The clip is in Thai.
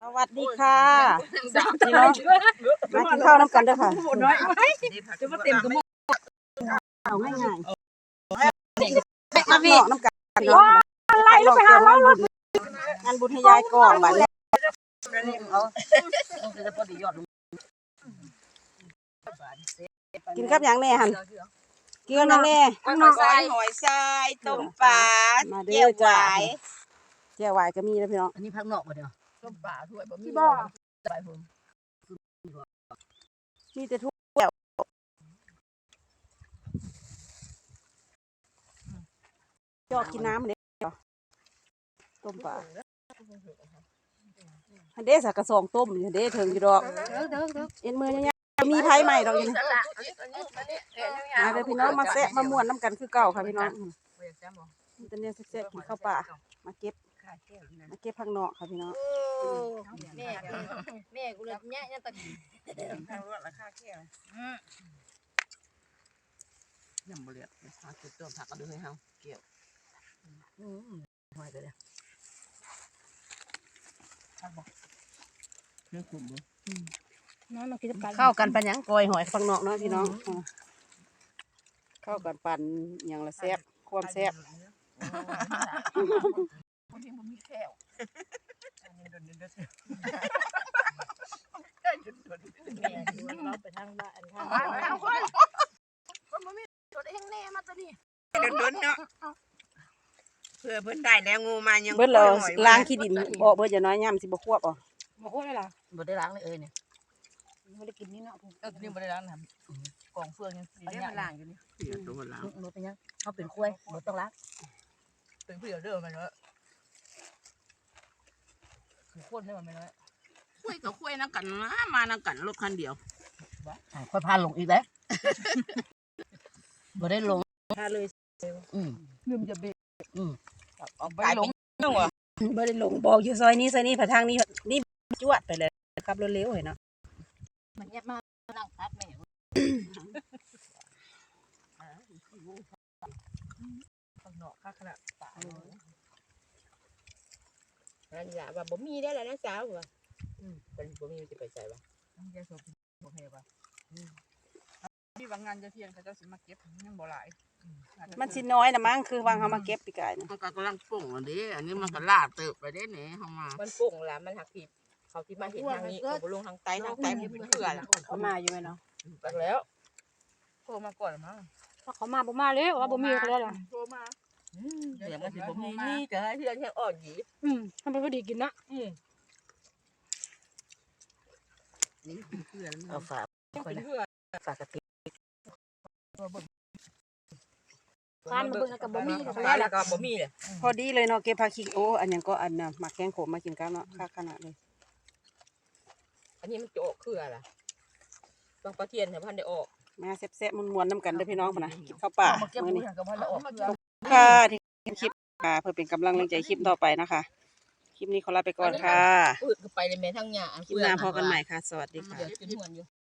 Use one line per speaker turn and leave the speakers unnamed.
สวัสดีค่ะพี่น้องมากินข้าวน้ำกันเด้อค่ะ
จะมาเต็มกระหม้อ
เอาง่ายๆมาพี่น้ำกันเนาะอะไรลูกไปหาเรางานบุญให้ยายก่อนบัดนี้กินกับหยังแน่หั่นกินกับหยังแน่
หอยทรายต้มปลา
มาเด้อจ้าแจ่วหวายก็มีนะพี่น้อง
อันนี้พักนอกบ่เดียว
ต้มปลาถ้วยบะหมี่
บ่
ใบผม
มีแต่ทุกแจ่วจอกกินน้ำเด้อต้มปลาอันเด้สักกระสองต้มอยู่เด้ถึงอยู่ดอกเอ็นมือเนี่ยมีไผใหม่ดอกอยู่นี่มาเด้อพี่น้องมาแซะมาม่วนน้ำกันคือเก่าค่ะพี่น้องตอนนี้แซ่บๆกินข้าวป่ามาเก็บผักเนาะค่ะพี่น้อง
แม่กูเลยแย่ตะกี้
ราคาแค่ยังบ่เรียกหาจุดต้มผักก็ดูให้เฮาเกี่ยวหอยไปเลยเรื่องขุ่นบ่
น้องมากินกัน
เข้ากันปันหยังกอยหอยผักเนาะเนาะพี่น้องเข้ากันปั่นอย่างละแซ่บความแซ่บ
บางทีมันมีแก้ว
เราไปทางบ้านทาง
โดนเนาะเพื่อเพิ่นได้แล้วงูมายัง
เบิดแล้วล้างขี้ดินออกเบิดจะน้อยย่ำสิบ่ควบอ่ะ
บ่โคตรเลยล่ะ
บ่ได้ล้างเลยเนี่ย
บ่ได้กินนี่เนาะ
นี่บ่ได้ล้างนะกองเฟืองยังสีได้มาล้างอยู่นี่เสียตัวล้าง
บ่เป็นยังเฮาเป็นกล้วยบ่ต้องล้าง
เป็นผู้เดียวเด้อมันเนาะโคตรได้มันไม่น้อยคุยกับคุยนักกันนะมานักกันรถคันเดียว
ค่อยพาลงอีกแล้วบ่ได้ลง
พาเลย
ลืมจะเบรก
เอาไป
กลาย
ล
เป็
ง
นยังวะ
บ่ได้ลงบอกอยู่ซอยนี้ผ่าทางนี้นี่จวดไปเลยขับรถเร็วเห็นเนาะ
มันเงียบมากนั่งพักแม่
ข้างนอกข้างขนาดป่า
นั่นล่ะว่าบ่มีได้แล้วนะสาวว่า
เป็นบ่มีจะไปใจปะแกโซฟีบ่เฮปะที่บางงานจะเที่ยงเขาจะสิมาเก็บยังบ่หลาย
มันสิน้อยนะมั้งคือวางเขามาเก็บปีกายนะ
มันก็กำลังป่งอันนี้อันนี้มันก็ลาดเติบไปได้เนี่ยเฮามา
มันปุ่งละมันหักผิดเขาที่มาเห็นทางนี้เขาบลงทางใต้มันเป็นเขื่อน
เขามาอยู่ไหมเนาะ
ไปแล้ว
โทรมาก่อนมั้ง
เขามาบ่มาเลยว่าบ่มีเขาแล้วล่ะ
โทรมา
เดี๋ยวมันสิบ่มีนี่จะให้เพื่อนแค่อ่อนหยี
ทำไปพอดีกินนะ
นี่เพื่อน
เอาฝาก
เป็นเขื่อน
ฝากกะทิ
ทานมาเบิ่งกับบ่มีเขา
แล้
แล้ว ว
ก็บ่มีเลย
พอดีเลยเนาะเก็บผักขิงโอ้อันยังก็อันน่ะหมักแกงโขมมากินกันเนาะค่าขนาดเลย
อันนี้มันจะออกเขื่อนล่ะบางปลาเทียนแถวพันได้ออก
มาแซ่บๆม่วนๆน้ำกันเด้อพี่น้องพุ่นน่ะกินข้าวป่า
เก็บ
มื้อ
มือ
นี้
กับพันละออกเพื่อ
ค่ะที่เห็นคลิปค่ะเพื่อเป็นกำลังใจคลิปต่อไปนะคะ คลิปนี้ขอลาไปก่อนค่ะ
พืชก็ไปเลยแม่ทั้งหญ้า
คลิปหน้าพอกันใหม่ค่ะ สวัสดีค่ะ
เดี๋ยวจะนวลอยู่